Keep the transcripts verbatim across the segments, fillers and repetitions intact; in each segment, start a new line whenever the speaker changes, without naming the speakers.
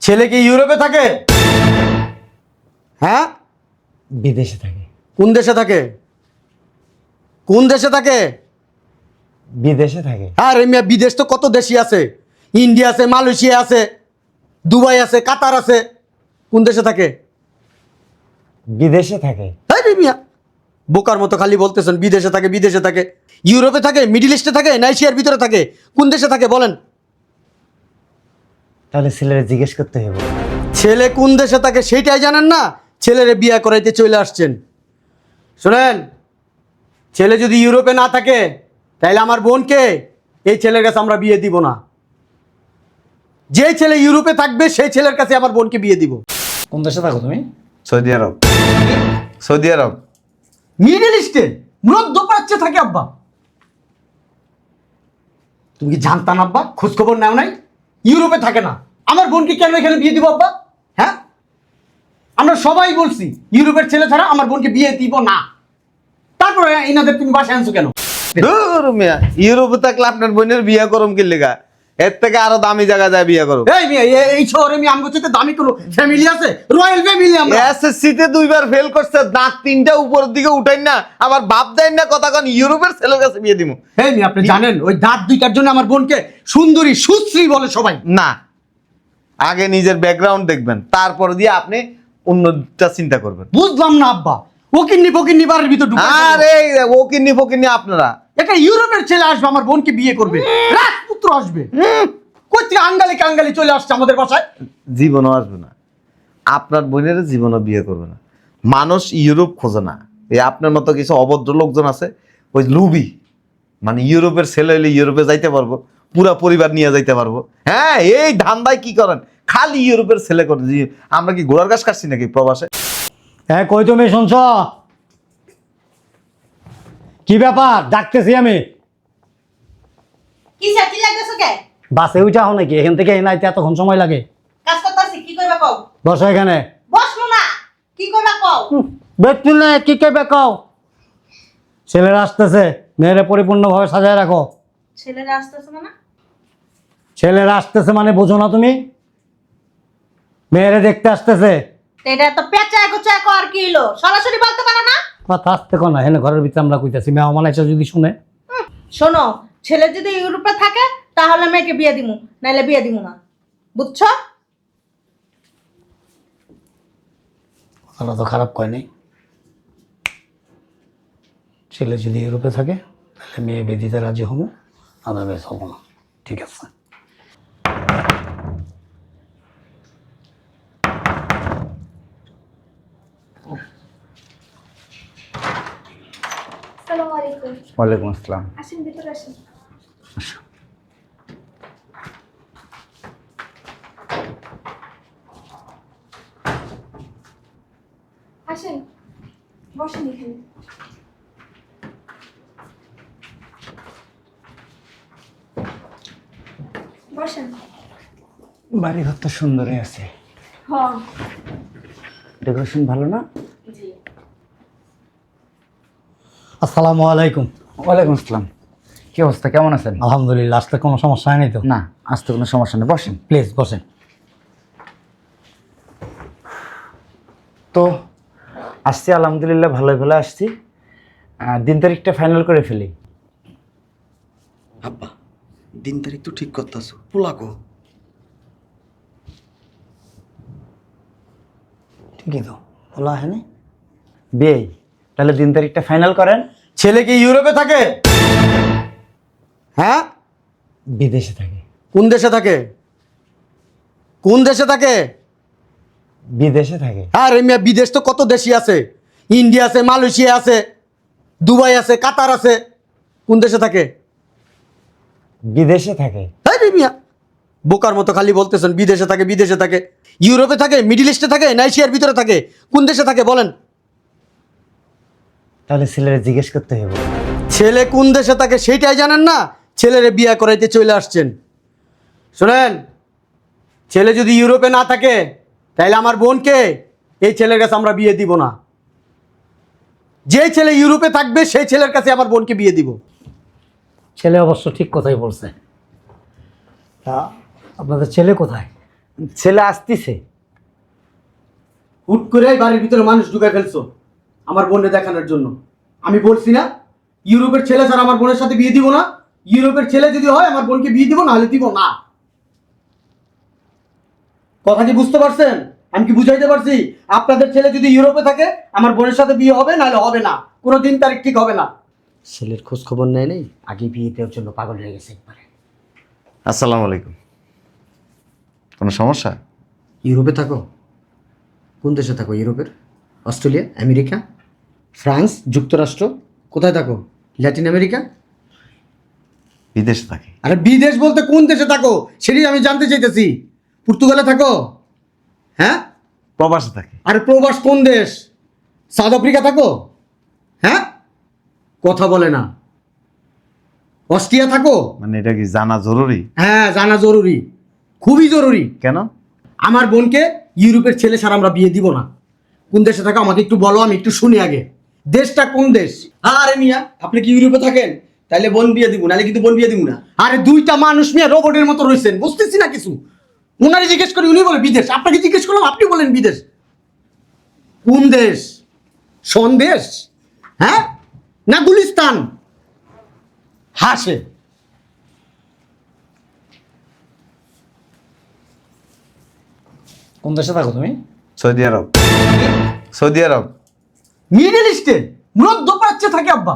ছেলে কি ইউরোপে থাকে? হ্যাঁ,
বিদেশে থাকে।
কোন দেশে থাকে? কোন দেশে থাকে?
বিদেশে থাকে।
আর মিয়া বিদেশ তো কত দেশই আছে, ইন্ডিয়া আছে, মালয়েশিয়া আছে, দুবাই আছে, কাতার আছে। কোন দেশে থাকে?
বিদেশে থাকে।
তাই রে মিয়া, বোকার মতো খালি বলতেছেন বিদেশে থাকে বিদেশে থাকে। ইউরোপে থাকে, মিডিল ইস্টে থাকে, না এশিয়ার ভিতরে থাকে? কোন দেশে থাকে বলেন?
তাহলে ছেলেরা জিজ্ঞেস করতে হবে।
ছেলে কোন দেশে থাকে সেইটাই জানেন না, ছেলেরে বিয়ে করাইতে চলে আসছেন। শোনেন, ছেলে যদি ইউরোপে না থাকে তাহলে আমার বোনকে এই ছেলের কাছে আমরা বিয়ে দিব না। যে ছেলে ইউরোপে থাকবে সেই ছেলের কাছে আমার বোনকে বিয়ে দিব।
কোন দেশে থাকো তুমি?
Saudi Arab. Saudi Arab.
Middle ইস্টে মধ্যপ্রাচ্যে থাকে আব্বা। তুমি কি জানতাম আব্বা? খোঁজখবর নাও নাই? ইউরোপে থাকে না, আমার বোনকে কেন এখানে বিয়ে দিব আব্বা? হ্যাঁ, আমরা সবাই বলছি ইউরোপের ছেলে ছাড়া আমার বোনকে বিয়ে দিব না। তারপরে এনাদের তুমি বাসায় আনছো কেন?
ধুর মিয়া, ইউরোপে থাকলে আপনার বোনের বিয়ে করম কি লেগা? এর থেকে আরো দামি জায়গা যায় বিয়ে করো।
এই মেয়ে, এ- এই শহরে আমি আমগো চেয়ে দামি কোনো ফ্যামিলি আছে? রয়্যাল ফ্যামিলি আমরা।
এসএসসি তে দুইবার ফেল করছে, দাঁত তিনটা উপরের দিকে উঠাই না, আবার বাপ দেয় না কথা কোন ইউরোপের ছেলের কাছে বিয়ে দিমু।
এই মেয়ে, আপনি জানেন ওই দাঁত দুইটার জন্য আমার বোনকে সুন্দরী সুশ্রী বলে সবাই।
না, আগে নিজের ব্যাকগ্রাউন্ড দেখবেন, তারপর দিয়ে আপনি অন্যটা চিন্তা করবেন।
বুঝলাম না আব্বা, ওকিন্নি ফকিন্নি বাড়ির ভিতর ঢুকে
আরে ও কিন্নি ফকিন্নি আপনারা
একটা ইউরোপের ছেলে আসবে আমার বোনকে বিয়ে করবে, রাজপুত্র আসবে। কই থেকে আঙ্গালি কাঙ্গালি চলে আসছে আমাদের বাসায়।
জীবনও আসবে না, আপনার বোনের জীবনও বিয়ে করবে না। মানুষ ইউরোপ খোঁজে না, এই আপনার মতো কিছু অভদ্র লোকজন আছে, ওই লুবি, মানে ইউরোপের ছেলে হইলে ইউরোপে যাইতে পারবো, পুরা পরিবার নিয়ে যাইতে পারবো। হ্যাঁ, এই ধান্দায় কি করেন, খালি ইউরোপের ছেলে করে। জি, আমরা কি ঘোড়ার গাছ কাটছি নাকি প্রবাসে?
হ্যাঁ, কই তুমি শুনছ? কি ব্যাপার? ডাকতেছি আমি।
কি সাথী লাগতেছো কে?
বাসে উঠা হো নাকি? এখান থেকে এনাইতে এতক্ষণ সময় লাগে?
কাজ করতেছি, কি করবা কও?
বসো এখানে।
বসবো না, কি করবা কও?
বেতুল না, কি কেবে কও? ছেলেরা আসতেছে, মেয়েরা পরিপূর্ণভাবে সাজায় রাখো।
ছেলেরা আসতেছে না?
ছেলেরা আসতেছে মানে বোঝো না তুমি? মেয়েরা দেখতে আসতেছে।
এটা তো পেঁচা গোচা কর কি হলো? সরাসরি বলতে পারো না?
কথা আসতে কো না, হেনে ঘরের ভিতরে আমরা কইতাছি। মেহমান এসে যদি শুনে।
হুম, শোনো, ছেলে যদি ইউরোপে থাকে তাহলে মেয়েকে বিয়ে দিমু, নাইলে বিয়ে দিমু না, বুঝছো?
কথাটা তো খারাপ কয় নাই। ছেলে যদি ইউরোপে থাকে তাহলে মেয়ে বেদিতে রাজি হবো, আদারওয়াইজ হবো না। ঠিক আছে?
আসসালামু আলাইকুম।
ওয়ালাইকুম আসসালাম।
আসেন, ভিতরে আসেন। আসেন, বসেন এখানে। বসেন।
বাড়ি ঘর তো সুন্দরই আছে।
হ্যাঁ।
ডেকোরেশন ভালো না?
জি।
আসসালামু আলাইকুম।
ওয়ালাইকুম আসসালাম। কি অবস্থা, কেমন আছেন?
আলহামদুলিল্লাহ, আসতে কোনো সমস্যা হয়নি তো?
না, আসতে কোনো সমস্যা নেই, বসেন।
প্লিজ বসেন।
তো আসছি আলহামদুলিল্লাহ, ভালোই ভালো আসছি। আহ, দিন তারিখটা ফাইনাল করে ফেলি।
আব্বা, দিন তারিখ তো ঠিক করতেছো, পোলাকো।
ঠিকই তো বলা হয়নি?
বিয়েই তাহলে দিন তারিখটা ফাইনাল করেন।
ছেলে কি ইউরোপে থাকে? হ্যাঁ,
বিদেশে থাকে।
কোন দেশে থাকে? কোন দেশে থাকে?
বিদেশে থাকে।
আর মিয়া বিদেশ তো কত দেশই আছে, ইন্ডিয়া আছে, মালয়েশিয়া আছে, দুবাই আছে, কাতার আছে। কোন দেশে থাকে?
বিদেশে থাকে।
তাই রে মিয়া, বোকার মতো খালি বলতেছেন বিদেশে থাকে বিদেশে থাকে। ইউরোপে থাকে, মিডিল ইস্টে থাকে, না এশিয়ার ভিতরে থাকে? কোন দেশে থাকে বলেন?
তাহলে ছেলেরা জিজ্ঞেস করতে হবে।
ছেলে কোন দেশে থাকে সেইটাই জানেন না, ছেলেরে বিয়ে করাইতে চলে আসছেন। শোনেন, ছেলে যদি ইউরোপে না থাকে তাহলে আমার বোনকে এই ছেলের কাছে আমরা বিয়ে দিব না। যে ছেলে ইউরোপে থাকবে সেই ছেলের কাছে আমার বোনকে বিয়ে দিব।
ছেলে অবশ্য ঠিক কথাই বলছে। তা আপনাদের ছেলে কোথায়?
ছেলে আসতিছে।
হুট করে বাড়ির ভিতরে মানুষ ঢুকাই ফেলছো আমার বোনকে দেখানোর জন্য। আমি বলছি না ইউরোপের ছেলে ছাড়া আমার বোনের সাথে বিয়ে দিব না, ইউরোপের ছেলে যদি হয় আমার বোনকে বিয়ে দিব, না হলে দিব না। কথা কি বুঝতে পারছেন? আমি কি বুঝাইতে পারছি? আপনাদের ছেলে যদি ইউরোপে থাকে আমার বোনের সাথে বিয়ে হবে, নাহলে হবে না, কোনো দিন তারিখ ঠিক হবে না। ছেলের খোঁজ খবর নেয় নেই, আগে বিয়ে দেওয়ার জন্য পাগল হয়ে গেছে একবারে।
আসসালামু আলাইকুম। কোনো সমস্যা?
ইউরোপে থাকো? কোন দেশে থাকো? ইউরোপের? অস্ট্রেলিয়া, আমেরিকা, ফ্রান্স, যুক্তরাষ্ট্র? কোথায় থাকো? Latin America?
বিদেশে থাকি।
আরে বিদেশ বলতে কোন দেশে থাকো সেটাই আমি জানতে চাইতেছি। পর্তুগালে থাকো? হ্যাঁ।
প্রবাসে থাকি।
আরে প্রবাস কোন দেশ? সাউথ আফ্রিকা থাকো? হ্যাঁ, কথা বলে না। অস্ট্রিয়া থাকো?
মানে এটা কি জানা জরুরি?
হ্যাঁ, জানা জরুরি, খুবই জরুরি।
কেন?
আমার বোনকে ইউরোপের ছেলে ছাড়া আমরা বিয়ে দিব না। কোন দেশে থাকো আমাকে একটু বলো, আমি একটু শুনি আগে। দেশটা কোন দেশ? আরে মিয়া, আপনি কি ইউরোপে থাকেন? তাইলে বোন বিয়ে দিব, নাহলে কিন্তু বোন বিয়ে দিব না। আরে দুইটা মানুষ মিয়া রোবটের মতো রয়েছেন, বুঝতেছি না কিছু। ওনারে জিজ্ঞেস করি, উনি বলে বিদেশ। আপনাকে জিজ্ঞেস করলাম, আপনি বলেন বিদেশ। কোন দেশ? সন্দেশ? হ্যাঁ, না গুলিস্তান? হাসে।
কোন দেশে থাকো তুমি?
Saudi Arab. Saudi Arab.
Middle ইস্টে মধ্যপ্রাচ্যে থাকে আব্বা।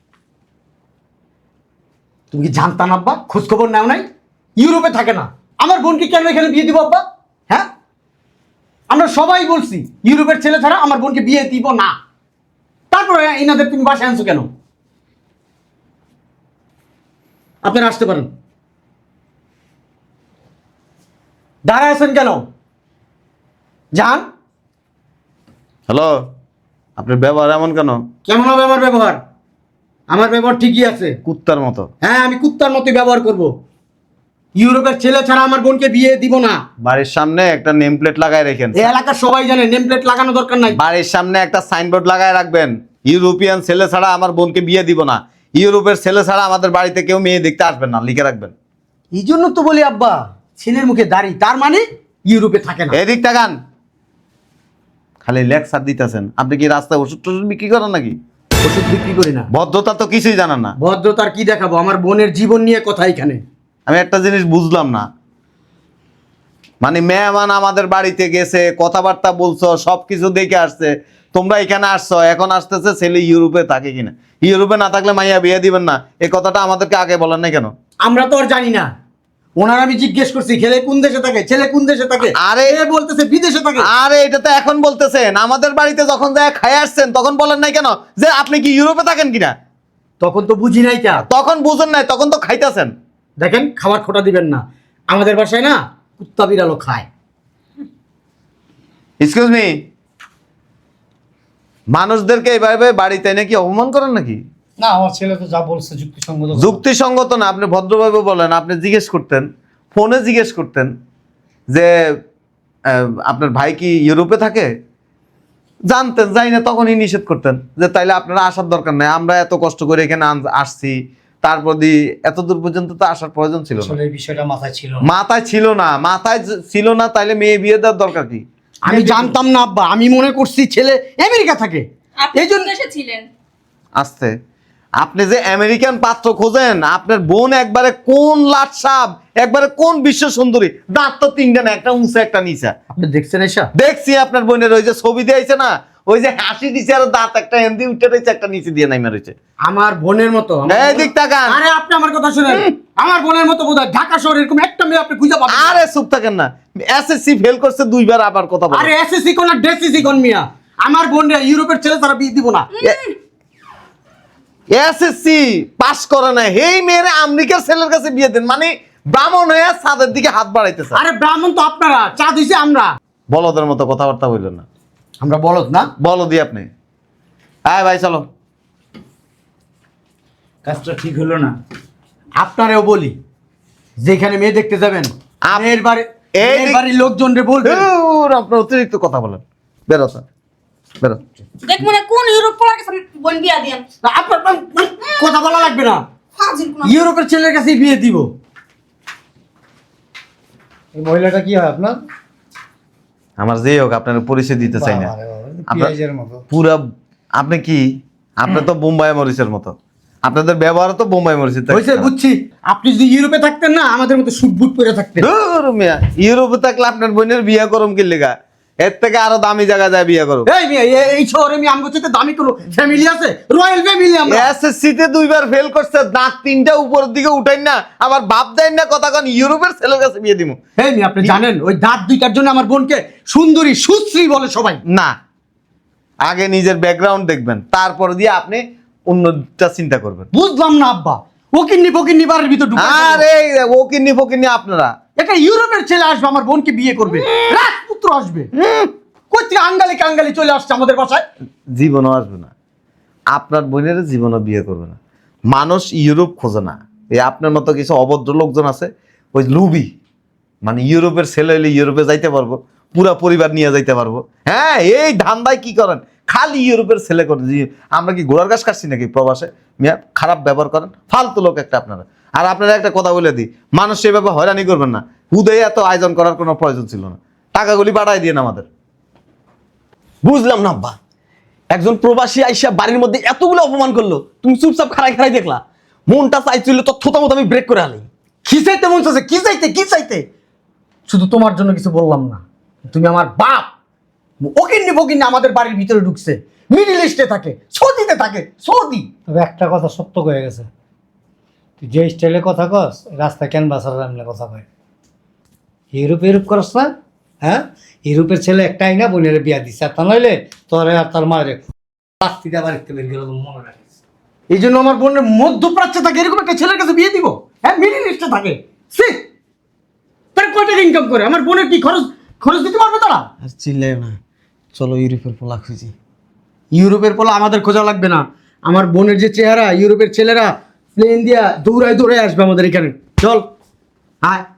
তুমি কি জানতাম আব্বা? খোঁজ খবর নাও নাই? ইউরোপে থাকে না। আমার বোনকে কেন এখানে বিয়ে দিব আব্বা? হ্যাঁ, আমরা সবাই বলছি ইউরোপের ছেলে ছাড়া আমার বোনকে বিয়ে দিব না। তারপরে এনাদের তুমি বাসায় আনছো কেন? আপনারা আসতে পারেন। দাঁড়ায় আছেন কেন? যান।
হ্যালো, আপনার ব্যবহার এমন কেন?
কেমন হবে আমার ব্যবহার? আমার ব্যবহার ঠিকই আছে,
কুত্তার মতো।
হ্যাঁ আমি কুত্তার মতো ব্যবহার করব। ইউরোপের ছেলে ছাড়া আমার বোনকে বিয়ে দিব না।
বাড়ির সামনে একটা নেম প্লেট লাগায় রেখেন।
এই এলাকার সবাই জানে, নেম প্লেট লাগানো দরকার নাই।
বাড়ির সামনে একটা সাইনবোর্ড লাগায় রাখবেন, ইউরোপিয়ান ছেলে ছাড়া আমার বোনকে বিয়ে দিব না, ইউরোপের ছেলে ছাড়া আমাদের বাড়িতে কেউ মেয়ে দেখতে আসবেন না, লিখে রাখবেন।
এই জন্য তো বলি আব্বা, ছেলের মুখে দাড়ি, তার মানে ইউরোপে থাকে না।
এদিক তাকান, খালি লেকচার দিতেছেন। আপনি কি রাস্তায় ওষুধ টষুধ বিক্রি করেন নাকি?
ওষুধ বিক্রি করি না।
ভদ্রতা তো কিছুই জানেন না।
ভদ্রতার কি দেখাবো? আমার বোনের জীবন নিয়ে কথা এখানে।
আমি একটা জিনিস বুঝলাম না, মানে মেহমান আমাদের বাড়িতে গেছে, কথাবার্তা বলছো, সবকিছু দেখে আসছে, তোমরা এখানে আসছো, এখন আসতেছে ছেলে ইউরোপে থাকে কিনা। ইউরোপে না থাকলে মাইয়া বিয়ে দিবেন না, এই কথাটা আমাদেরকে আগে বলেন না কেন?
আমরা তো আর জানি না। ওনার আমি জিজ্ঞেস করছি ছেলে কোন দেশে থাকে, ছেলে কোন দেশে থাকে,
আরে
এ বলতেছে বিদেশে থাকে।
আরে এটা তো এখন বলতেছেন, আমাদের বাড়িতে যখন যায় খাই আসছেন তখন বলেন নাই কেন যে আপনি কি ইউরোপে থাকেন কিনা?
তখন তো বুঝি নাই কে।
তখন বুঝেন নাই, তখন তো খাইতেছেন।
দেখেন, খাবার খোটা দিবেন না। আমাদের বাসায় না কুত্তা বিড়ালও খায়।
এক্সকিউজ মি, মানুষদেরকে এইভাবে বাড়িতে নাকি অপমান করেন নাকি?
না, আমার ছেলে তো যা বলছে যুক্তিসঙ্গত।
যুক্তিসঙ্গত না, আপনি ভদ্রভাবে বলেন। আপনি জিজ্ঞেস করতেন, ফোনে জিজ্ঞেস করতেন যে আহ, আপনার ভাই কি ইউরোপে থাকে, জানতেন, যাই না তখনই নিষেধ করতেন যে তাইলে আপনারা আসার দরকার নাই, আমরা এত কষ্ট করে এখানে আন- আসছি, তারপর দি এত দূর পর্যন্ত তো আসার প্রয়োজন ছিল না।
আসলে এই বিষয়টা মাথায় ছিল না।
মাথায় ছিল না, মাথায় য- ছিল না, তাইলে মেয়ে বিয়ে দেওয়ার দরকার কি?
আমি জানতাম না আব্বা, আমি মনে করছি ছেলে আমেরিকা থাকে।
আপনি
এই জন্য
কোন দেশে ছিলেন?
আসতে আপনি যে আমেরিকান পাত্র খোঁজেন, আপনার বোন একবারে কোন লাট সাপ, একবারে কোন বিশ্ব সুন্দরী, দাঁত তো তিনটা না, একটা উঁচা একটা নিচা।
আপনি দেখছেন এসা?
দেখছি আপনার বোনের ওই যে ছবি দিয়েছে না, ওই যে হাসি দিছে আর দাঁত একটা হেন্দি উঠে রয়েছে, একটা নিচে দিয়ে নাইমা রয়েছে।
আমার বোনের মতো। আমার
এই
বোন-
দিক তাকান।
আরে আপনি আমার কথা শুনেন, আমার বোনের মতো বোধহয় ঢাকা শহরে এরকম একটা মেয়ে আপনি খুঁজে পাবেন না।
আরে চুপ থাকেন না, এসএসসি ফেল করছে দুইবার, আবার কথা বলেন।
আরে এসএসসি কোন ডেসিসি কোন মিয়া, আমার বোনরা ইউরোপের ছেলে তারা বিয়ে দিব না।
এসএসসি পাস করে না, এই মেয়েরা আমেরিকার ছেলের কাছে বিয়ে দেন, মানে ব্রাহ্মণ হয়ে ছাদের দিকে হাত বাড়াইতেছে।
আরে ব্রাহ্মণ তো আপনারা, চা দিছে আমরা।
বলদের মতো কথাবার্তা বললেন না,
আমরা বলত না।
বলো দি আপনি। হ্যাঁ ভাই চলো।
কাজটা ঠিক হলো না।
আপনারেও বলি, যেখানে মেয়ে দেখতে যাবেন
আপ-
মেয়ের বাড়ি
এই
মেয়ের
দিক-
বাড়ির লোকজনরে বলবেন।
ধুর, আপনার অতিরিক্ত কথা বলেন, বেরো স্যার, বেরো।
দেখ মনে হয় কোন ইউরোপ পড়া গেছে বোন বিয়া দিয়েন।
আপনার কথা বলা লাগবে না,
ফাজিল কোন।
ইউরোপের ছেলের কাছে বিয়ে দিব।
এই মহিলাটা কি হয় আপনার?
আমার যেই হোক আপনার পরিচয় দিতে চাই না
বাবারে বাবা,
আপনার-
পেঁয়াজের মতো।
পুরা আপনি কি আপনি তো বোম্বাই মরিচের মতো, আপনাদের ব্যবহার তো বোম্বাই মরিচের থেকে
হয়েছে
খারাপ।
বুঝছি। আপনি যদি ইউরোপে থাকতেন না আমাদের মতো সুট বুট পরে থাকতেন।
ধুর মিয়া, ইউরোপে থাকলে আপনার বোনের বিয়ে করম কি লেগা? এর থেকে আরো দামি জায়গা যায় বিয়ে করো।
এই মিয়া, এ- এই শহরে আমি আমগো চাইতে দামি কোনো ফ্যামিলি আছে? রয়্যাল ফ্যামিলি আমরা।
এসএসসি তে দুইবার ফেল করছে, দাঁত তিনটা উপরের দিকে উঠাই না, আবার বাপ দেন না কথা কোন ইউরোপের ছেলের কাছে বিয়ে দিমু।
এই মিয়া, আপনি জানেন ওই দাঁত দুইটার জন্য আমার বোনকে সুন্দরী সুশ্রী বলে সবাই।
না, আগে নিজের ব্যাকগ্রাউন্ড দেখবেন, তারপর দিয়ে আপনি অন্যটা চিন্তা করবেন।
বুঝলাম না আব্বা, ও কিন্নি ফকিন্নি বাড়ির ভিতর ঢুকে
আরে ও কিন্নি ফকিন্নি আপনারা
একটা ইউরোপের ছেলে আসবে আমার বোনকে বিয়ে করবে, রাজপুত্র আসবে। কই থেকে আঙ্গালি কাঙ্গালি চলে আসছে আমাদের বাসায়।
জীবনও আসবে না, আপনার বোনের জীবনও বিয়ে করবে না। মানুষ ইউরোপ খোঁজে না, এই আপনার মতো কিছু অভদ্র লোকজন আছে, ওই লুবি, মানে ইউরোপের ছেলে হইলে ইউরোপে যাইতে পারবো, পুরা পরিবার নিয়ে যাইতে পারবো। হ্যাঁ, এই ধান্দায় কি করেন, খালি ইউরোপের ছেলে করে। জি, আমরা কি ঘোড়ার গাছ কাটছি নাকি প্রবাসে? মিয়া, খারাপ ব্যবহার করেন, ফালতু লোক একটা আপনারা। আর আপনারা একটা কথা বলে দিই, মানুষ সেভাবে হয়রানি করবেন না, হুদে এত আয়োজন করার কোনো প্রয়োজন ছিল না, টাকাগুলি বাড়াই দিয়ে আমাদের।
বুঝলাম না আব্বা, একজন প্রবাসী আইসা বাড়ির মধ্যে এতগুলো অপমান করলো, তুমি চুপচাপ খাড়াই খাড়াই দেখলা? মনটা চাইছিল তো থোতা মতো আমি ব্রেক করে আনি।
কি চাইতে মন চাইছে? কি চাইতে কি চাইতে? শুধু তোমার জন্য কিছু বললাম না, তুমি আমার বাপ। ও কিন্নি ফকিন্নি আমাদের বাড়ির ভিতরে ঢুকছে, মিডিল ইস্টে থাকে, সৌদিতে থাকে, সৌদি।
তবে একটা কথা সত্য হয়ে গেছে, তুই যে স্টাইলে কথা কস রাস্তা কেন বাসার এমনি কথা কয়। ইউরোপ ইউরোপ করস না? হ্যাঁ, ইউরোপের ছেলে একটা আইনা বোনের বিয়া দিচ্ছে, আর তা নইলে তোরে আর তার মায়ের বাস্তিতে বাড়িতে বের গেল, মনে রাখিস।
এই জন্য আমার বোনের মধ্যপ্রাচ্যে থাকে এরকম একটা ছেলের কাছে বিয়ে দিব? হ্যাঁ, মিডিল ইস্টে থাকে, সে তার কয় টাকা ইনকাম করে? আমার বোনের কি খরচ খরচ দিতে পারবে তারা?
আর চিল্লাই না, চলো ইউরোপের পোলা খুঁজি।
ইউরোপের পোলা আমাদের খোঁজা লাগবে না। আমার বোনের যে চেহারা, ইউরোপের ছেলেরা প্লেন দিয়া দৌড়ায় দৌড়ায় আসবে আমাদের এখানে। চল, আয়।